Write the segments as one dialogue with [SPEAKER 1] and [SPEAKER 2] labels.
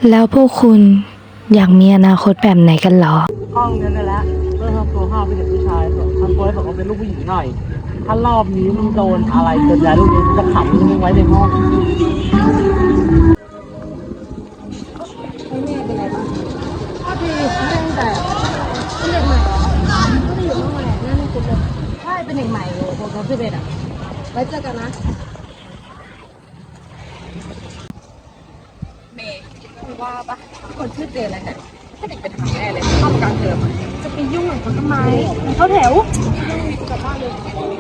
[SPEAKER 1] แล้วพวกคุณอยากมีอนาคตแบบไหนกันเหรอ
[SPEAKER 2] ห้องนั้นนั่นแหละเพื่อทำตัวห้าวเป็นเด็กผู้ชายทำตัวให้แบบว่าเป็นลูกผู้หญิงหน่อย ถ้ารอบนี้มึงโดนอะไรเกิดแล้วลูกนี้จะขังมึงไว้ในห้อง
[SPEAKER 3] ก็ดีไม่ตั้งแต่เป็นเด็กใหม่เหรอไม่ได้อยู่ห้องแหละนั่นไม่คุ้นเลยใช่เป็นเด็กใหม่เลยผมกับพี่เบสอ่ะไว้เจอกันนะเมย์คือว่าปะคนชื่อเจนอะไรเนี่ยถ้าเด็กเป็นทางแน่เลยเข้ากลางเทอมจะไปยุ่งกับเขาทำไมเขาแถวกลับบ้านเลย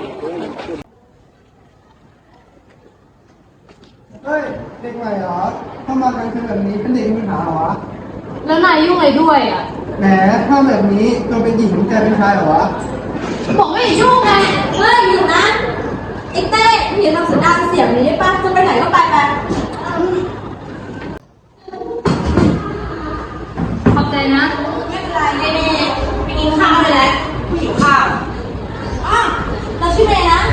[SPEAKER 4] เฮ้ยเด็กใหม่เหรอถ้ามากันคือแบบนี้เป็นเด็กมีปัญหาเหรอวะ
[SPEAKER 3] แล้วนายยุ่งอะไรด้วยอ่ะ
[SPEAKER 4] แหมถ้าแบบนี้ตัวเป็นหญิงแกเป็นชายเหรอวะ
[SPEAKER 3] บอกไม่ให้ยุ่งไงเฮ้ยอยู่นะไอ้เต้พี่ทำสัญญาณเสียงนี้ได้ป่ะจะไปไหนก็ไปไปขอบใจนะไม่เป็นไรเมย์ไปกินข้าวเลยแหละผู้หิวข้าวอ้าวเราชื่อเมย์นะ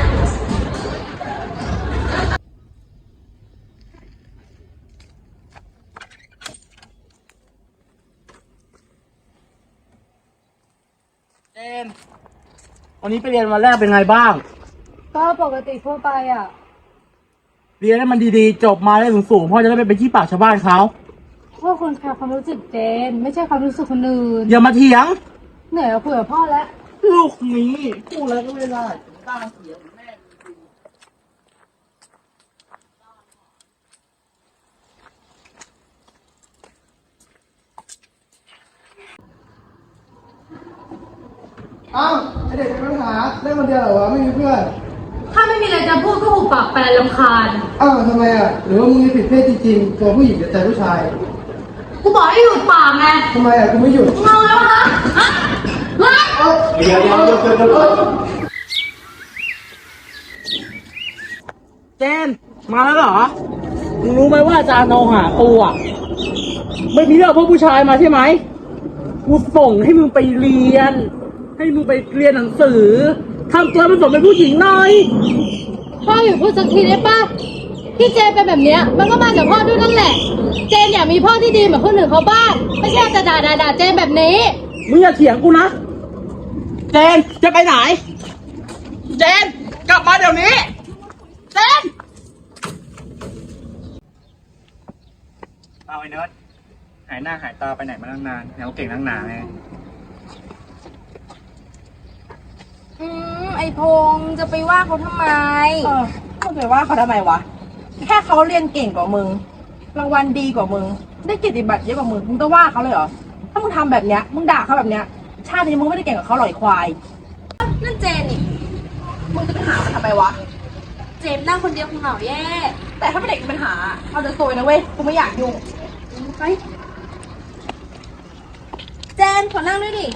[SPEAKER 2] เจนวันนี้ไปเรียนวันแรกเป็นไงบ้าง
[SPEAKER 3] ก็ปกติทั่วไปอ่ะ
[SPEAKER 2] เรียนให้มันดีๆ จบมาได้สูงๆพ่อจะได้ไม่ไปขี้ปากชาวบ้านเขา
[SPEAKER 3] พวกคนแคร์ความรู้สึกเจนไม่ใช่ความรู้สึกคนอื่น
[SPEAKER 2] อย่ามาเถียง
[SPEAKER 3] เหนื่อยกับคุยกับพ่อแล้ว
[SPEAKER 2] ลูกนี้พูดแล้วก็ไม่ได้ตั้งเสียงแม่
[SPEAKER 4] เอ้าไอเด็กมีปัญหาเล่นคนเดียวเหรอวะไม่มีเพื่อน
[SPEAKER 3] ถ้าไม่มีอะไรจะพูดก็หุบปากแปลรำคาญ
[SPEAKER 4] อ้าวทำไมอ่ะหรือว่ามึงมีผิดเพศจริงๆตัวผู้หญิงแต่ใจผู้ชาย
[SPEAKER 3] กูบอกให้หยุดปากไง
[SPEAKER 4] ทำไมอ่ะกูไม่หยุด
[SPEAKER 3] เงาแล้วฮะฮะเฮ้ย
[SPEAKER 4] เดี๋ยว
[SPEAKER 2] เจนมาแล้วเหรอมึงรู้ไหมว่าอาจารย์โนหากูอ่ะไม่มีเรื่องพวกผู้ชายมาใช่ไหมกูส่งให้มึงไปเรียน ให้มึงไปเรียนหนังสือทำตัวเป็นสมเป็นผู้หญิงหน่อย
[SPEAKER 3] พ่ออยู่พูดสักทีได้ป่ะที่เจนเป็นแบบเนี้ยมันก็มาจากพ่อด้วยนั่นแหละ เจนอยากมีพ่อที่ดีเหมือนคนอื่นเขาบ้างไม่ใช่จะด่าเจนแบบนี้
[SPEAKER 2] มึงอย่าเถียงกูนะเจนจะไปไหนเจนกลับมาเดี๋ยวนี้เจนเอาไอ้เนิร์ดหายหน้าหายตาไปไหนมาตั้งนานแนวเก่งตั้งนานไง
[SPEAKER 5] ไอพงษ์จะไปว่าเขาทำไม
[SPEAKER 6] มึงไปว่าเขาทำไมวะ แค่เขาเรียนเก่งกว่ามึง รางวัลดีกว่ามึง ได้เกียรติบัตรเยอะกว่ามึง มึงต้องว่าเขาเลยเหรอ ถ้ามึงทำแบบเนี้ย มึงด่าเขาแบบเนี้ย ชาตินี้มึงไม่ได้เก่งกับเขาหรอกไอ้ควาย
[SPEAKER 5] นั่นเจนนี่
[SPEAKER 6] มึงจะไปหามันทำไมวะ
[SPEAKER 5] เจมนั่งคนเดียวคงเหงาแย่
[SPEAKER 6] แต่ถ้าเป็นเด็กมีปัญหา เอาแต่ซวยนะเว้ย กูไม่อยากยุ่งไป
[SPEAKER 5] เจนขอนั่งด้วยดิ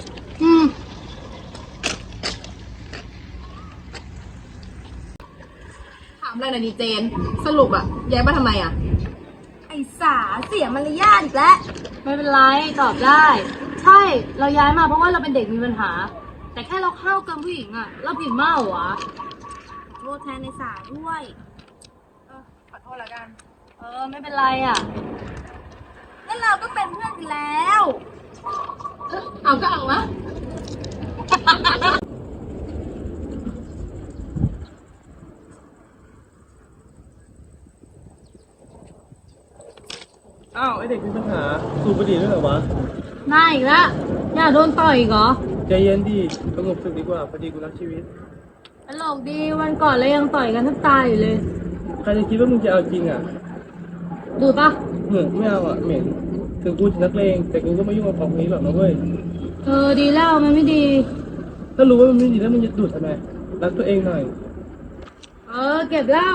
[SPEAKER 6] ถามอะไรหน่อยดิเจน สรุปอะย้ายมาทำไมอะ
[SPEAKER 5] ไอสาเสียมารยาทอีกแล้ว
[SPEAKER 3] ไม่เป็นไรตอบได้ ใช่ เราย้ายมาเพราะว่าเราเป็นเด็กมีปัญหา แต่แค่เราเข้าเกินผู้หญิงอะเราผิดมากเหรอวะ
[SPEAKER 5] โทษแทนในสาด้วย
[SPEAKER 6] ขอโทษแล้วกัน
[SPEAKER 3] ไม่เป็นไรอะ
[SPEAKER 5] งั้นเราก็เป็นเพื่อนกันแล้ว
[SPEAKER 3] เอาก็เอานะ
[SPEAKER 2] อ้าวไอเด็กมีปัญหาสูบบุหรี่ด้วยเหรอวะ
[SPEAKER 3] น่าอีกแล้วอย่าโดนต่อยอีกเหรอ
[SPEAKER 2] ใจเย็นดิสงบสุขดีกว่าพอดีกูรักชีวิต
[SPEAKER 3] ตลกดีวันก่อนเรายังต่อยกันแทบตายอยู่เลย
[SPEAKER 2] ใครจะคิดว่ามึงจะเอาจริงอ่ะ
[SPEAKER 3] ดูปะ
[SPEAKER 2] ไม่เอาอ่ะเหม็นถึงกูจะนักเลงแต่กูก็ไม่ยุ่งกับของนี้หรอกนะเว้ย
[SPEAKER 3] ดีแล้วมันไม่ดี
[SPEAKER 2] ถ้ารู้ว่ามันไม่ดีแล้วมึงจะดูดทำไมรักตัวเองหน่อย
[SPEAKER 3] เก็บเหล้า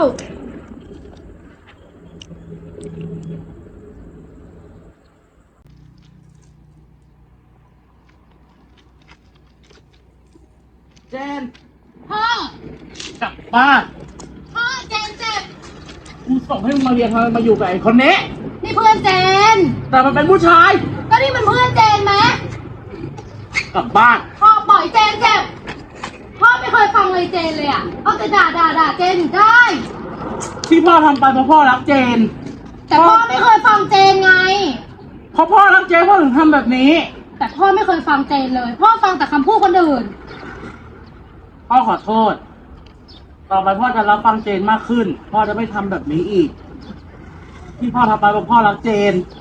[SPEAKER 2] เจน
[SPEAKER 3] พ่อก
[SPEAKER 2] ลับบ้าน
[SPEAKER 3] พ่อเจนเจ็บ
[SPEAKER 2] กูส่งให้มึงมาเรียนทำไมมาอยู่กับไอ้คนนี้
[SPEAKER 3] นี่เพื่อนเจน
[SPEAKER 2] แต่มันเป็นผู้ชาย
[SPEAKER 3] ก็นี่มันเพื่อนเจนไหม
[SPEAKER 2] กลับบ้าน
[SPEAKER 3] พ่อปล่อยเจนเจ็บ พ่อไม่เคยฟังเลยเจนเลยอ่ะเอาแต่ด่าเจนอยู่ได้
[SPEAKER 2] ที่พ่อทำไปเพราะพ่อรักเจน
[SPEAKER 3] แต่พ่อไม่เคยฟังเจนไง
[SPEAKER 2] ราะพ่อรักเจนพ่อถึงทำแบบนี้
[SPEAKER 3] แต่พ่อไม่เคยฟังเจนเลย พ่อฟังแต่คำพูดคนอื่น
[SPEAKER 2] พ่อขอโทษ ต่อไปพ่อจะรับฟังเจนมากขึ้น พ่อจะไม่ทำแบบนี้อีก ที่พ่อทำไปเพราะพ่อรักเจน